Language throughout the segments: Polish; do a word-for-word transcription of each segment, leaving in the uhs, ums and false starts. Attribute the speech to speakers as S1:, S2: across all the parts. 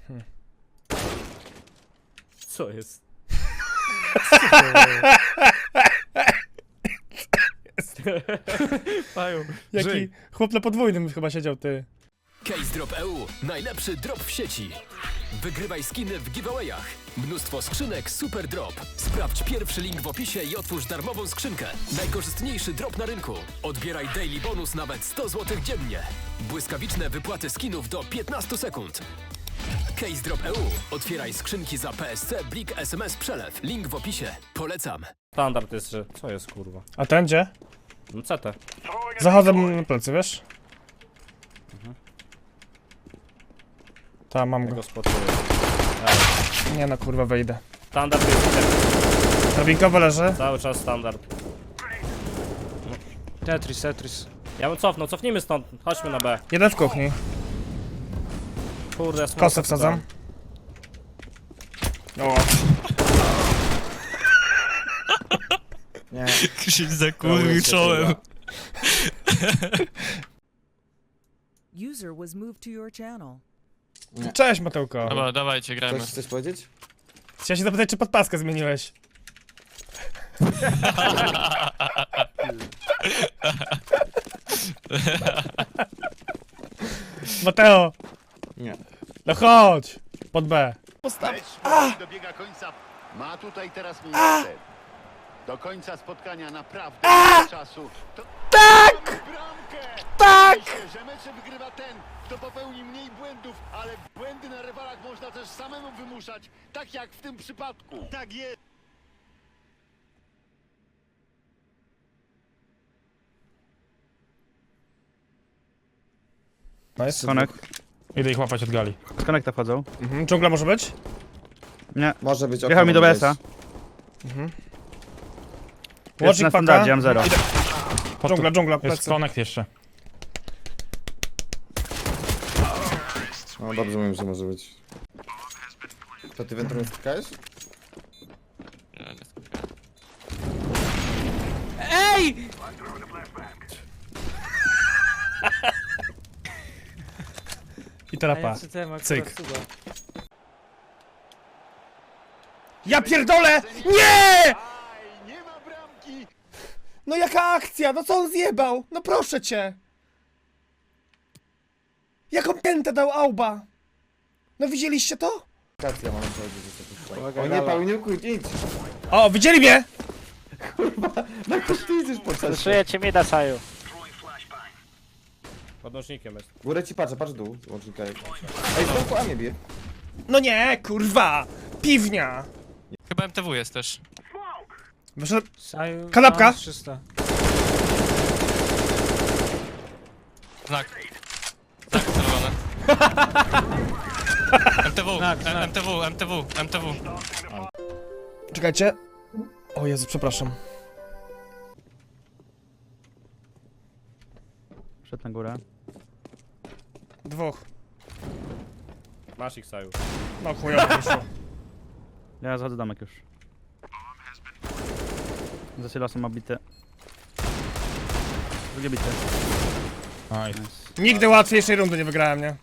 S1: Hmm.
S2: Co jest?
S1: Paju, jaki chłop na podwójnym chyba siedział, ty.
S3: Case Drop E U. Najlepszy drop w sieci. Wygrywaj skiny w giveawayach. Mnóstwo skrzynek Super Drop. Sprawdź pierwszy link w opisie i otwórz darmową skrzynkę. Najkorzystniejszy drop na rynku. Odbieraj daily bonus nawet sto złotych dziennie. Błyskawiczne wypłaty skinów do piętnastu sekund. Case Drop E U. Otwieraj skrzynki za P S C, Blik, S M S, przelew. Link w opisie. Polecam.
S2: Standard jest, że... Co jest, kurwa?
S1: A ten gdzie?
S2: No C T.
S1: Zachodzę mu na plecy, wiesz?
S2: Mhm.
S1: Ta, mam
S2: Ja
S1: go.
S2: go spotuję.
S1: Nie no, kurwa, wejdę.
S2: Standard jest
S1: Drabinkowo leży.
S2: cały czas standard.
S4: Tetris, Tetris.
S2: Ja bym cofnął, cofnijmy stąd. Chodźmy na B.
S1: Jeden w kuchni.
S2: Kurde, smoka
S1: Kosę wsadzam. O.
S5: Nie.
S4: Krzyś zakurwił czołem.
S6: User was moved to your channel.
S1: Cześć, Matełko.
S4: Dobra, dawajcie, grajmy.
S5: Chcesz coś powiedzieć?
S1: Chciałem się zapytać, czy podpaskę zmieniłeś. Mateo!
S5: Nie.
S1: No chodź! Pod B.
S7: Dobiega końca. Ma tutaj teraz miejsce. Do końca spotkania naprawdę mało czasu. To... Tak! Bramkę! Tak! Myślę, że mecze wygrywa ten, kto popełni mniej błędów, ale błędy na rywalach można też samemu wymuszać, tak jak w tym przypadku. Tak jest.
S1: Nice.
S8: Konek.
S1: Idę ich łapać od gali.
S8: Z konekta wchodzą.
S1: Mhm. Dżungla może być?
S8: Nie.
S5: Może być.
S8: Wjechał mi do B S a.
S1: Mhm.
S8: Jest
S1: Łącznik
S8: na
S1: paka.
S8: standardzie, mam zero.
S1: Dżungla, dżungla,
S9: Jest
S1: plecy.
S9: connect jeszcze.
S5: No dobrze mówię, że może być. To ty wędrówkę skakałeś?
S4: Ej!
S1: I teraz pa. Cyk. Ja pierdolę! Nie!
S7: Aj, nie ma bramki.
S1: No jaka akcja? No co on zjebał? No proszę cię! Jaką piętę dał Auba? No widzieliście to?
S5: Kacja mam powiedzieć. O nie, Pauliniuku, idź!
S1: O, widzieli mnie!
S5: Na to ty idziesz po czasie.
S4: Szyję cię mi da saju.
S2: Podnośnikiem jest.
S5: Górę ci patrzę, patrz dół. Łącznika jak. Ej, stąd A mnie bije.
S1: No nie, kurwa! Piwnia!
S4: Chyba M T W jest też.
S1: Wyszedł...
S4: Saju...
S1: Kanapka?
S4: trzysta. Znak. Znak celowany. M T W,
S1: Znak, znak.
S4: M T W, M T W, M T W.
S1: Czekajcie. O Jezu, przepraszam.
S8: Szedł na górę.
S1: Dwóch.
S2: Masz ich, Saju.
S1: No chujowo wyszło.
S8: Ja zachodzę domek już. Za silosem ma bite. Drugie bite.
S9: Nice.
S1: Nigdy łatwiejszej rundy nie wygrałem, nie?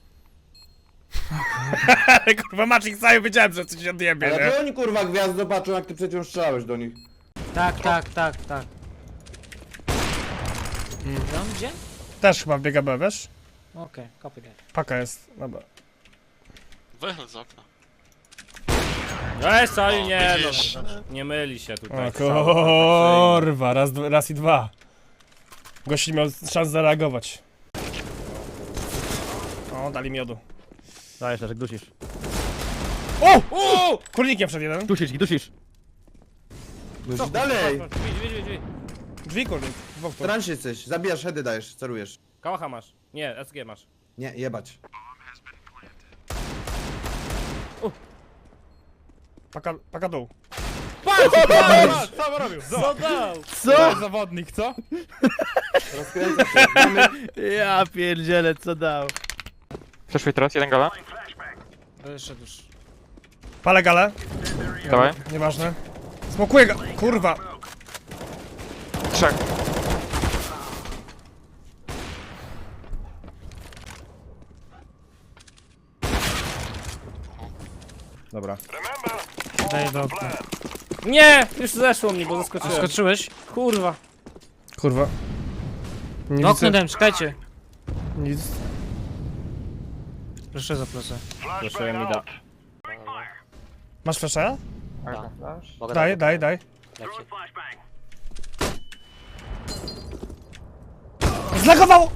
S1: Ale kurwa, Maciek Saju, wiedziałem, że coś się odjebie,
S5: Ale
S1: nie?
S5: to oni kurwa gwiazd zobaczą, jak ty przecież strzelałeś do nich.
S4: Tak, tak, tak, tak. On gdzie?
S1: Też chyba biega B, wiesz?
S4: Okej, copy that.
S1: Paka jest, dobra.
S4: Wychyl z okna.
S2: Ej, Saju, nie no. Nie myli się tutaj.
S1: O kurwa, raz, dwa- raz i dwa. Gości miał szansę zareagować. O, dali miodu.
S8: Dajesz, Leszek, dusisz.
S1: O! O! Kurnikiem wszedł jeden.
S8: Dusisz ich, dusisz!
S5: No dalej!
S2: Drzwi, drzwi, drzwi, drzwi.
S1: Drzwi kurnik. Dwóch
S5: W
S1: tu.
S5: transie jesteś, zabijasz, heady dajesz, cerujesz.
S2: Kałacha masz. Nie, S G masz.
S5: Nie, jebać.
S1: Paka, paka dół.
S9: Co robił?
S2: Co dał?
S9: Co? Zawodnik, co?
S5: Rozkręca się. Mamy...
S8: Ja pierdzielę, co dał.
S4: Przeszły teraz, jeden gala.
S1: Wyszedł już. Palę galę.
S4: Dawaj.
S1: Nieważne. Smokuję ga... Kurwa.
S4: Trzech.
S5: Dobra.
S2: Daję do okna. Nie! Już zeszło mnie, bo zaskoczyłem.
S10: Skoczyłeś?
S2: Kurwa.
S1: Kurwa. Nie
S10: No
S1: widzę
S10: okno dałem, czekajcie.
S1: nic.
S10: Proszę za plecę.
S2: Proszę mi da.
S1: Masz flasha?
S2: Mogę
S1: Daj, daj, daj. Zlagowało!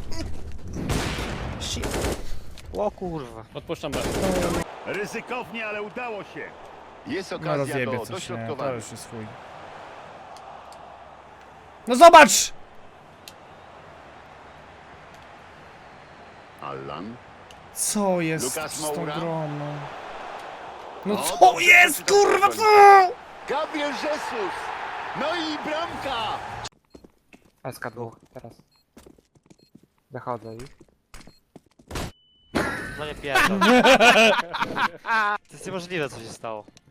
S10: O kurwa.
S2: Odpuszczam B.
S7: Ryzykownie, ale udało się. Jest
S1: No
S7: okazja
S1: rozjebie
S7: do
S1: coś, nie? To
S7: dośrodkowania.
S1: już jest chuj. No zobacz!
S7: Allan.
S1: Co jest
S7: Lukas
S1: z tą
S7: Moura?
S1: grą, no? No
S7: O,
S1: co
S7: dobrze,
S1: jest,
S7: przeczytał
S1: kurwa,
S7: do
S1: co?
S7: końca. Gabriel Jesus! No i bramka!
S4: S K dwóch, teraz. Zachodzę ich.
S10: No nie pierdol. To jest niemożliwe co się stało.